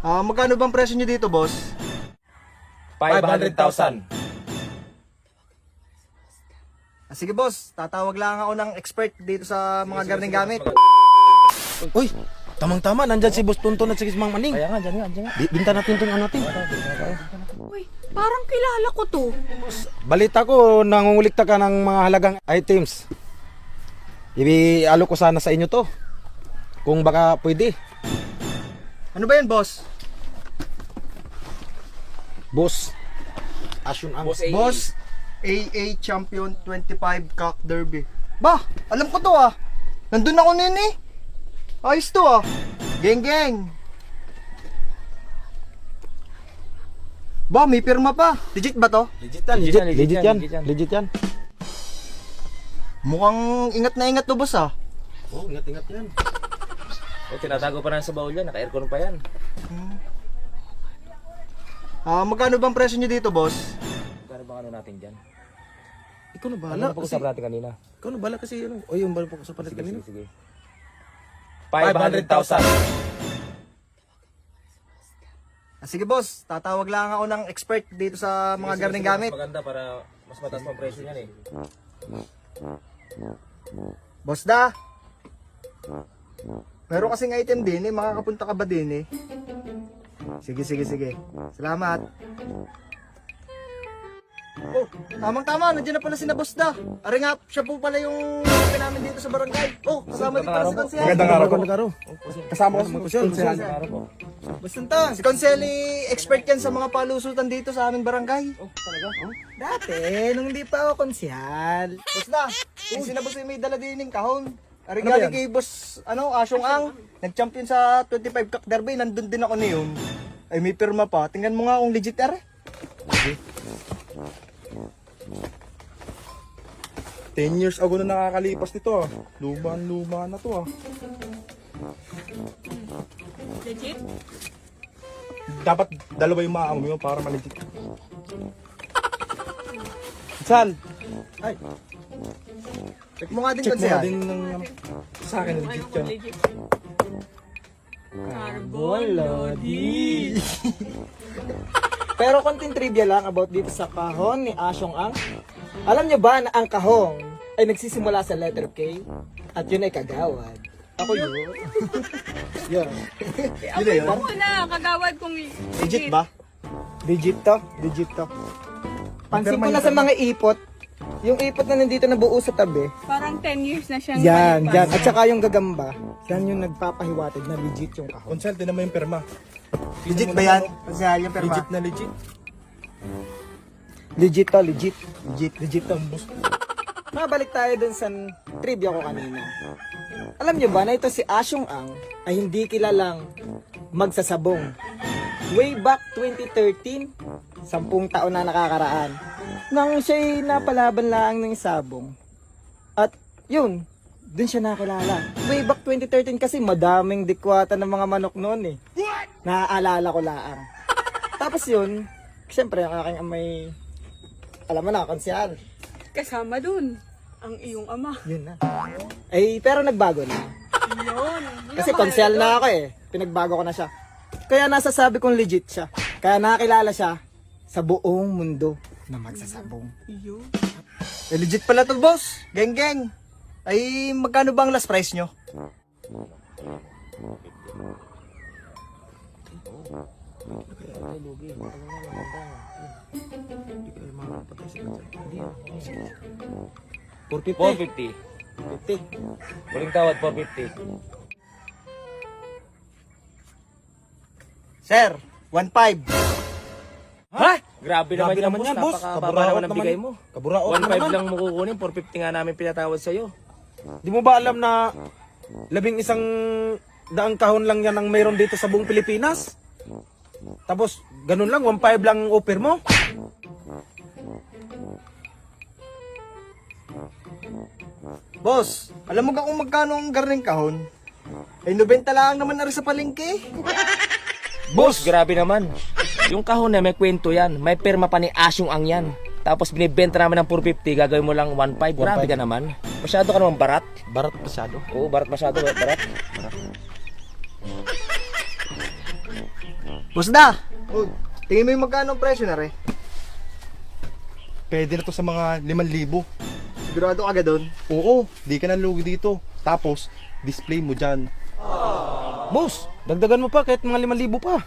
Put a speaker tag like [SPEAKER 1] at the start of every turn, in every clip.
[SPEAKER 1] Magkano bang presyo nyo dito, boss?
[SPEAKER 2] 500,000.
[SPEAKER 1] Sige, boss. Tatawag lang ako ng expert dito sa mga gardening gamit.
[SPEAKER 3] Uy, tamang-tama, nandyan si Boss Tonton at si Mang Maning.
[SPEAKER 2] Kaya nga, dyan nga.
[SPEAKER 3] Binta natin itong ano natin.
[SPEAKER 4] Uy, parang kilala ko to.
[SPEAKER 3] Balita ko, nangungulikta ka ng mga halagang items. Ibi-alo ko sana sa inyo to. Kung baka pwede.
[SPEAKER 1] Ano ba yan, boss?
[SPEAKER 3] Boss, Asyun ang
[SPEAKER 1] Boss, AA Champion 25 Cock Derby. Ba, alam ko to ah. Nandun ako nun eh. Ayos to ah. Geng geng. Ba, may pirma pa. Legit ba to?
[SPEAKER 3] Legit yan.
[SPEAKER 1] Mukhang ingat na ingat to, boss ah.
[SPEAKER 3] Oh, ingat-ingat yan.
[SPEAKER 2] Tinatago pa na sa baul yan, naka-aircon pa yan.
[SPEAKER 1] Magkano bang presyo nyo dito, boss?
[SPEAKER 2] Kano bang ano natin dyan?
[SPEAKER 3] Ikaw na
[SPEAKER 2] Ano
[SPEAKER 3] bahala
[SPEAKER 2] na
[SPEAKER 3] kasi.
[SPEAKER 2] pag-usap natin kanina?
[SPEAKER 3] Ikaw na bahala kasi ano. O yung bahala pag-usap natin kanina.
[SPEAKER 2] Sige. 500,000.
[SPEAKER 1] Sige, boss. Tatawag lang ako ng expert dito sa mga gardening gamit.
[SPEAKER 2] Maganda para mas mataas pa ang presyo niyan eh.
[SPEAKER 1] Boss da. Meron kasing item din eh. Makakapunta ka ba din eh? Sige. Salamat. Oh, tamang-tama. Nandiyan na pala si na boss da. Ari nga, siya po pala yung kapatid namin dito sa barangay. Oh, kasama din pala si Konsel.
[SPEAKER 3] Magandang araw. Kasama ko si Kusyal.
[SPEAKER 1] Basta si Konsel expert yan sa mga palusutan dito sa aming barangay. Oh, talaga? Oh?
[SPEAKER 5] Dati, nung hindi pa ako konsyal.
[SPEAKER 1] Boss da, yung sinabos ay may dala din ng kahon. Ari
[SPEAKER 3] Ano ba
[SPEAKER 1] galing
[SPEAKER 3] yan?
[SPEAKER 1] kay boss, Asyong Ang. Nag-champion sa 25 Cock Derby. Nandun din ako niyon. Ay may pirma pa. Tingnan mo nga kung legit are.
[SPEAKER 6] 10 years ago na nakakalipas nito ah. Luma na to ah.
[SPEAKER 4] Legit?
[SPEAKER 6] Dapat dalawa yung maamo mo para maligit.
[SPEAKER 3] Sal,
[SPEAKER 1] Check mo nga din
[SPEAKER 6] Check mo
[SPEAKER 1] Konsel.
[SPEAKER 6] na din ng sa akin legit yan.
[SPEAKER 4] Legit. Carbon Lodi.
[SPEAKER 5] Pero konting trivia lang about dito sa kahon ni Asyong Ang. Alam nyo ba na ang kahong ay nagsisimula sa letter K at yun ay kagawad? Ako yun. Yun.
[SPEAKER 1] Yun na yun.
[SPEAKER 4] Ako na, kagawad kung
[SPEAKER 1] Legit ba?
[SPEAKER 5] Legit to. Pansin ko na sa mga ipot, yung ipot na nandito na buo sa tabi,
[SPEAKER 4] Parang 10 years na siyang
[SPEAKER 5] yan.
[SPEAKER 4] malipas.
[SPEAKER 5] At saka yung gagamba, yan yung nagpapahiwatig na legit yung kahon.
[SPEAKER 6] Consult din naman yung perma.
[SPEAKER 1] Legit ba yan? Konsel, yung pirma.
[SPEAKER 6] Legit na legit.
[SPEAKER 5] Legit to. Mabalik tayo dun sa trivia ko kanina. Alam nyo ba na ito si Asyong Ang ay hindi kilalang magsasabong. Way back 2013, 10 taon na nakakaraan, nang siya'y napalaban lang ng sabong. At yun, dun siya nakilala. Way back 2013 kasi madaming dikwata ng mga manok noon eh. Naaalala ko lang. Tapos yun, siyempre ang aking amay, alam mo na, konsyal.
[SPEAKER 4] Kasama dun ang iyong ama.
[SPEAKER 5] Yun na. Eh, pero nagbago na.
[SPEAKER 4] Yun.
[SPEAKER 5] Kasi konsyal na ako eh. Pinagbago ko na siya. Kaya nasasabi kong legit siya. Kaya nakakilala siya sa buong mundo na magsasabong.
[SPEAKER 4] Yun.
[SPEAKER 1] Legit pala to, boss. Geng geng. Ay, magkano bang last price nyo?
[SPEAKER 5] $450.
[SPEAKER 2] 450.
[SPEAKER 5] 50.
[SPEAKER 2] Huling tawad, 450.
[SPEAKER 1] Sir, 1.5.
[SPEAKER 2] Ha? Grabe naman
[SPEAKER 3] Grabe
[SPEAKER 2] yan,
[SPEAKER 3] naman
[SPEAKER 2] boss.
[SPEAKER 3] yan, boss.
[SPEAKER 2] Napakababa
[SPEAKER 3] Kaburaot
[SPEAKER 2] naman ang
[SPEAKER 3] naman.
[SPEAKER 2] bigay mo.
[SPEAKER 3] Kaburaot
[SPEAKER 2] 1.5
[SPEAKER 3] naman.
[SPEAKER 2] lang mo kukunin, 450 nga namin pinatawad sa'yo.
[SPEAKER 3] Di mo ba alam na 11 daang kahon lang yan ang mayroon dito sa buong Pilipinas? Tapos, ganun lang, 1.5 lang ang offer mo?
[SPEAKER 1] Boss, alam mo ka kung magkano ang garning kahon? Ay, 90 lang naman na rin sa palengke.
[SPEAKER 2] Boss, grabe naman. Yung kahon na may kwento yan. May perma pa ni Asyong Ang yan. Tapos binibenta namin ng 450, gagawin mo lang 1.5. Grabe ka naman. Masyado ka naman barat.
[SPEAKER 3] Barat masyado.
[SPEAKER 2] Oo, barat masyado. Barat.
[SPEAKER 1] Boss da! Oh, tingin mo yung magkano ang presyo na rin?
[SPEAKER 6] Pwede na to sa mga 5,000.
[SPEAKER 1] Sigurado ka agad doon?
[SPEAKER 6] Oo, di ka na lugi dito. Tapos, display mo dyan.
[SPEAKER 3] Boss, dagdagan mo pa kahit mga 5,000 pa.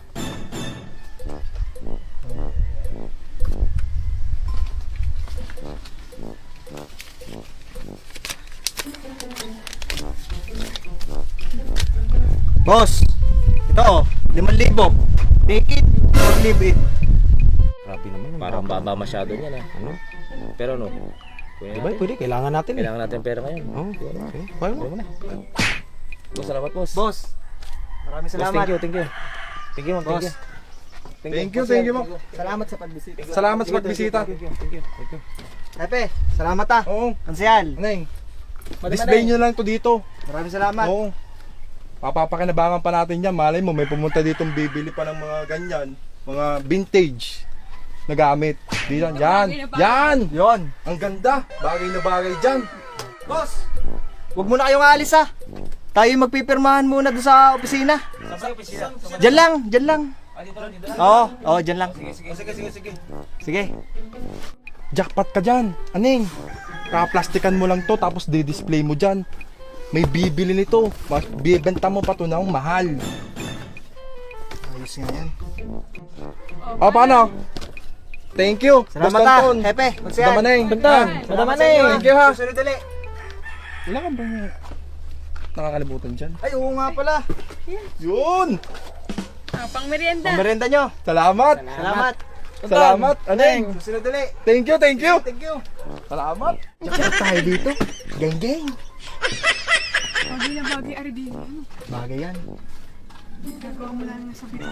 [SPEAKER 1] Boss! Ito oh, 5,000. Take it or leave it.
[SPEAKER 3] Grabe naman.
[SPEAKER 2] Parang baba masyado niyan ah.
[SPEAKER 3] Ano?
[SPEAKER 2] Pero ano, kuya
[SPEAKER 3] Diba, pwede, kailangan natin eh.
[SPEAKER 2] kailangan natin pera ngayon.
[SPEAKER 3] Oo, okay. Kaya mo.
[SPEAKER 2] Boss, salamat boss.
[SPEAKER 1] Boss, maraming
[SPEAKER 2] Boss,
[SPEAKER 1] salamat.
[SPEAKER 2] thank you, thank you. Thank you, ma'am, thank
[SPEAKER 1] Boss.
[SPEAKER 2] you.
[SPEAKER 6] Thank you, ma'am.
[SPEAKER 1] Salamat sa pagbisita.
[SPEAKER 6] Salamat sa pagbisita.
[SPEAKER 1] Pepe, salamat ah.
[SPEAKER 6] Oo,
[SPEAKER 1] Ansel,
[SPEAKER 6] Neng. Display nyo lang to dito.
[SPEAKER 1] maraming salamat.
[SPEAKER 6] Oo. Papapakinabangan pa natin yan. Malay mo, may pumunta ditong bibili pa ng mga ganyan. Mga vintage na gamit. Dito, yan. Yan!
[SPEAKER 1] Yon.
[SPEAKER 6] Ang ganda. Bagay na bagay dyan.
[SPEAKER 1] Boss, huwag muna kayong aalis ah. Tayo magpipirmahan muna doon sa opisina. Diyan lang. Oo, diyan lang. Sige.
[SPEAKER 6] Jackpot ka dyan. Aning, kaplastikan mo lang to tapos di-display mo dyan. May bibili nito. Bibenta mo pa to ng mahal.
[SPEAKER 1] Ayos nga yan.
[SPEAKER 6] O, paano? Thank you.
[SPEAKER 1] Salamat
[SPEAKER 6] Boss
[SPEAKER 1] ah,
[SPEAKER 6] Tonton.
[SPEAKER 1] Hepe.
[SPEAKER 6] Madama Neng.
[SPEAKER 1] Bentan. Madama na eh.
[SPEAKER 6] Thank you ha.
[SPEAKER 1] Susunod ulit.
[SPEAKER 6] Wala ka ba nakakalimutan dyan?
[SPEAKER 1] Ay, oo nga pala.
[SPEAKER 6] Yun!
[SPEAKER 4] Ah, pang merienda.
[SPEAKER 1] Pamerienda nyo.
[SPEAKER 6] Salamat!
[SPEAKER 1] Salamat.
[SPEAKER 6] Salamat, Aneng!
[SPEAKER 1] Susunod ulit.
[SPEAKER 6] Thank you, thank you!
[SPEAKER 1] Thank you.
[SPEAKER 6] Salamat!
[SPEAKER 1] Jackpot tayo dito. Geng.
[SPEAKER 4] Bagay na bagay, Ardi. Ano?
[SPEAKER 1] Bagay yan.
[SPEAKER 4] Gagawa mo lang sa bito.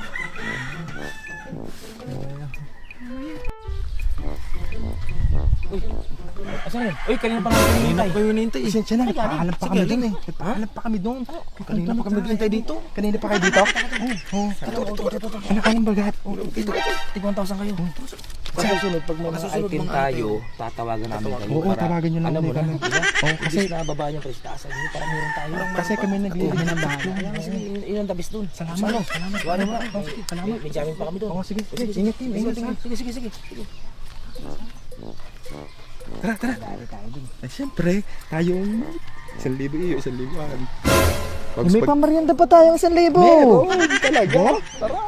[SPEAKER 2] Asan yun? Uy, kanina pa nga hinihintay.
[SPEAKER 3] Kayo hinihintay.
[SPEAKER 6] Pasensya na, nagpaalam pa kami dun eh. Nagpaalam pa kami dun. Kanina pa kami naghihintay dito. Kanina pa kayo dito? Oo. Ano ka nang bagat?
[SPEAKER 2] Tig 1,000 kayo. Sa susunod, pag may mga item tayo, tatawagan namin kayo.
[SPEAKER 6] Oo, tawagan nyo lang
[SPEAKER 2] Alam mo
[SPEAKER 6] ulit
[SPEAKER 2] na,
[SPEAKER 6] kami.
[SPEAKER 2] di ba?
[SPEAKER 6] Oo,
[SPEAKER 2] Kasi
[SPEAKER 6] kasi,
[SPEAKER 2] nababaan yung presyo taasan. Hindi para meron tayo.
[SPEAKER 6] kasi kami naglilinis ng bahay.
[SPEAKER 2] Kaya nga, sige, yun ang tabis dun.
[SPEAKER 6] Salamat.
[SPEAKER 2] Wala mo na. Salamat. May jamming pa kami dun.
[SPEAKER 6] Oo, sige. Ingat kayo, ingat kayo.
[SPEAKER 2] Sige.
[SPEAKER 6] Tara. Ay, siyempre, tayo 1,000 iyo, 1,000.
[SPEAKER 5] May pamarienda pa tayong 1,000.
[SPEAKER 6] Meron, talaga. Tara.